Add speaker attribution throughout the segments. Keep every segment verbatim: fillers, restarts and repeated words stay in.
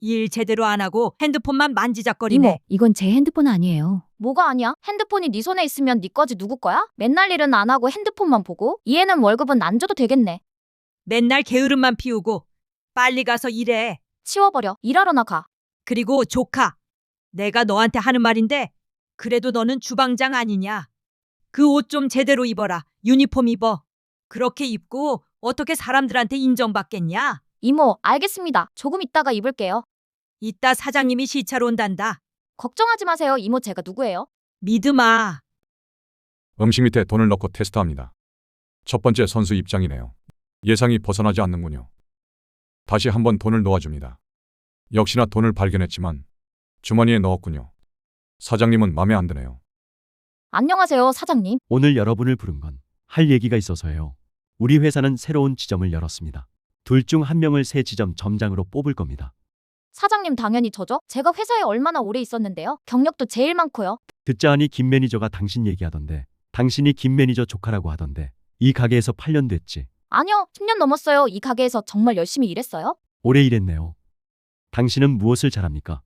Speaker 1: 일 제대로 안 하고 핸드폰만 만지작거리네.
Speaker 2: 이모, 이건 제 핸드폰 아니에요.
Speaker 3: 뭐가 아니야? 핸드폰이 네 손에 있으면 네 거지 누구 거야? 맨날 일은 안 하고 핸드폰만 보고? 얘는 월급은 안 줘도 되겠네.
Speaker 1: 맨날 게으름만 피우고 빨리 가서 일해.
Speaker 3: 치워버려. 일하러 나가.
Speaker 1: 그리고 조카, 내가 너한테 하는 말인데 그래도 너는 주방장 아니냐. 그 옷 좀 제대로 입어라. 유니폼 입어. 그렇게 입고 어떻게 사람들한테 인정받겠냐.
Speaker 3: 이모, 알겠습니다. 조금 있다가 입을게요.
Speaker 1: 이따 사장님이 시차로 온단다.
Speaker 3: 걱정하지 마세요. 이모, 제가 누구예요?
Speaker 1: 믿음아.
Speaker 4: 음식 밑에 돈을 넣고 테스트합니다. 첫 번째 선수 입장이네요. 예상이 벗어나지 않는군요. 다시 한번 돈을 놓아줍니다. 역시나 돈을 발견했지만 주머니에 넣었군요. 사장님은 마음에 안 드네요.
Speaker 3: 안녕하세요, 사장님.
Speaker 5: 오늘 여러분을 부른 건 할 얘기가 있어서요. 우리 회사는 새로운 지점을 열었습니다. 둘 중 한 명을 새 지점 점장으로 뽑을 겁니다.
Speaker 3: 사장님 당연히 저죠? 제가 회사에 얼마나 오래 있었는데요. 경력도 제일 많고요.
Speaker 5: 듣자 하니 김 매니저가 당신 얘기하던데, 당신이 김 매니저 조카라고 하던데, 이 가게에서 팔 년 됐지.
Speaker 3: 아니요, 십 년 넘었어요. 이 가게에서 정말 열심히 일했어요.
Speaker 5: 오래 일했네요. 당신은 무엇을 잘합니까?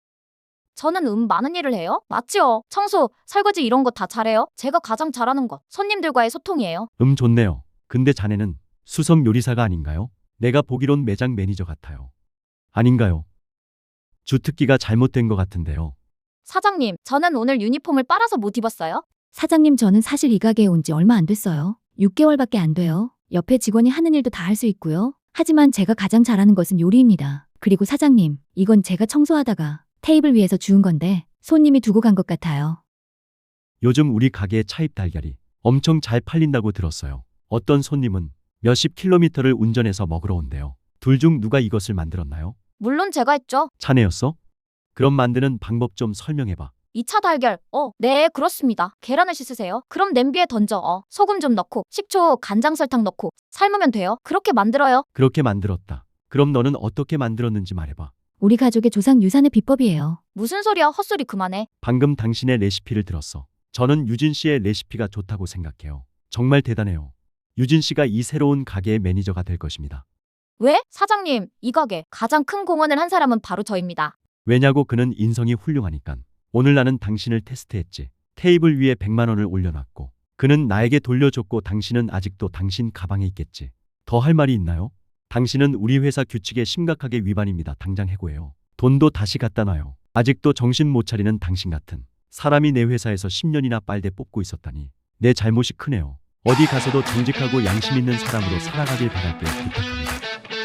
Speaker 3: 저는 음 많은 일을 해요. 맞지요? 청소, 설거지 이런 거 다 잘해요. 제가 가장 잘하는 것, 손님들과의 소통이에요.
Speaker 5: 음 좋네요. 근데 자네는 수석 요리사가 아닌가요? 내가 보기론 매장 매니저 같아요. 아닌가요? 주특기가 잘못된 것 같은데요.
Speaker 3: 사장님, 저는 오늘 유니폼을 빨아서 못 입었어요.
Speaker 2: 사장님, 저는 사실 이 가게에 온 지 얼마 안 됐어요. 육 개월밖에 안 돼요. 옆에 직원이 하는 일도 다 할 수 있고요. 하지만 제가 가장 잘하는 것은 요리입니다. 그리고 사장님, 이건 제가 청소하다가 테이블 위에서 주운 건데 손님이 두고 간 것 같아요.
Speaker 5: 요즘 우리 가게의 차입 달걀이 엄청 잘 팔린다고 들었어요. 어떤 손님은 몇십 킬로미터를 운전해서 먹으러 온대요. 둘 중 누가 이것을 만들었나요?
Speaker 3: 물론 제가 했죠.
Speaker 5: 자네였어? 그럼 만드는 방법 좀 설명해봐.
Speaker 3: 이 차 달걀. 어, 네, 그렇습니다. 계란을 씻으세요. 그럼 냄비에 던져. 어, 소금 좀 넣고, 식초, 간장, 설탕 넣고 삶으면 돼요. 그렇게 만들어요.
Speaker 5: 그렇게 만들었다. 그럼 너는 어떻게 만들었는지 말해봐.
Speaker 2: 우리 가족의 조상 유산의 비법이에요.
Speaker 3: 무슨 소리야? 헛소리 그만해.
Speaker 5: 방금 당신의 레시피를 들었어. 저는 유진 씨의 레시피가 좋다고 생각해요. 정말 대단해요. 유진 씨가 이 새로운 가게의 매니저가 될 것입니다.
Speaker 3: 왜? 사장님, 이 가게 가장 큰 공헌을 한 사람은 바로 저입니다.
Speaker 5: 왜냐고 그는 인성이 훌륭하니까. 오늘 나는 당신을 테스트했지. 테이블 위에 백만 원을 올려놨고 그는 나에게 돌려줬고 당신은 아직도 당신 가방에 있겠지. 더 할 말이 있나요? 당신은 우리 회사 규칙에 심각하게 위반입니다. 당장 해고해요. 돈도 다시 갖다 놔요. 아직도 정신 못 차리는 당신 같은 사람이 내 회사에서 십 년이나 빨대 뽑고 있었다니 내 잘못이 크네요. 어디 가서도 정직하고 양심 있는 사람으로 살아가길 바랄게요. 부탁합니다.